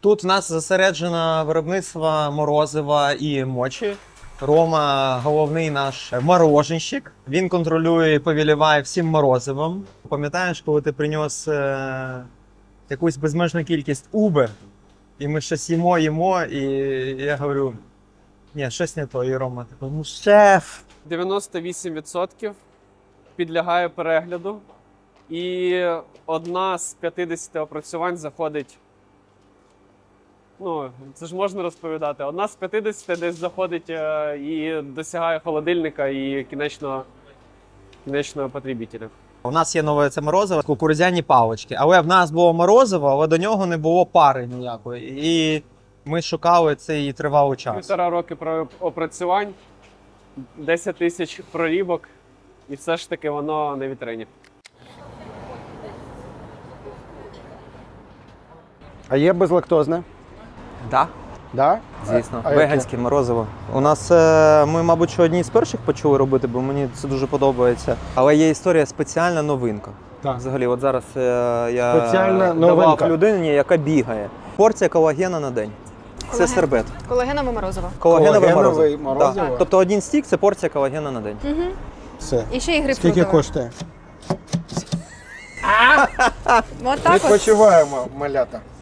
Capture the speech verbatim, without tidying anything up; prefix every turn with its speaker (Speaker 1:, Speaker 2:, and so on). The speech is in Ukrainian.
Speaker 1: Тут в нас зосереджено виробництво морозива і мочі. Рома головний наш мороженщик. Він контролює і повіліває всім морозивом. Пам'ятаєш, коли ти приніс е- якусь безмежну кількість Uber, і ми щось їмо, їмо, і я говорю, ні, щось не то. І Рома такий, ну шеф.
Speaker 2: дев'яносто вісім відсотків підлягає перегляду. І одна з п'ятдесяти опрацювань заходить. Ну, це ж можна розповідати. Одна з п'ятдесяти десь заходить е, і досягає холодильника і кінечного, кінечного потребителя.
Speaker 1: У нас є нове це морозиво, кукурудзяні палички. Але в нас було морозиво, але до нього не було пари ніякої. І ми шукали цей тривалий час.
Speaker 2: Півтора роки про- опрацювань, десять тисяч прорібок, і все ж таки воно на вітрині.
Speaker 3: А є безлактозне?
Speaker 1: Так,
Speaker 3: Да?
Speaker 1: звісно.
Speaker 3: А- а яке?
Speaker 1: Веганське морозиво. У нас, е, ми, мабуть, що одні з перших почали робити, бо мені це дуже подобається. Але є історія спеціальна новинка.
Speaker 3: Так.
Speaker 1: Взагалі, от зараз е, я
Speaker 3: Спеціальна
Speaker 1: давав
Speaker 3: новинка.
Speaker 1: людині, яка бігає. Порція колагена на день. Це
Speaker 4: Колаген.
Speaker 1: сербет.
Speaker 4: Колагенове морозиво.
Speaker 1: Колагенове
Speaker 3: Колагенове
Speaker 1: морозиво.
Speaker 3: морозиво?
Speaker 1: Так. Тобто один стік – це порція колагена на день.
Speaker 4: Угу.
Speaker 3: Все.
Speaker 4: І ще і гриб
Speaker 3: Скільки коштує?
Speaker 4: От так от.
Speaker 3: Відпочиваємо, малята.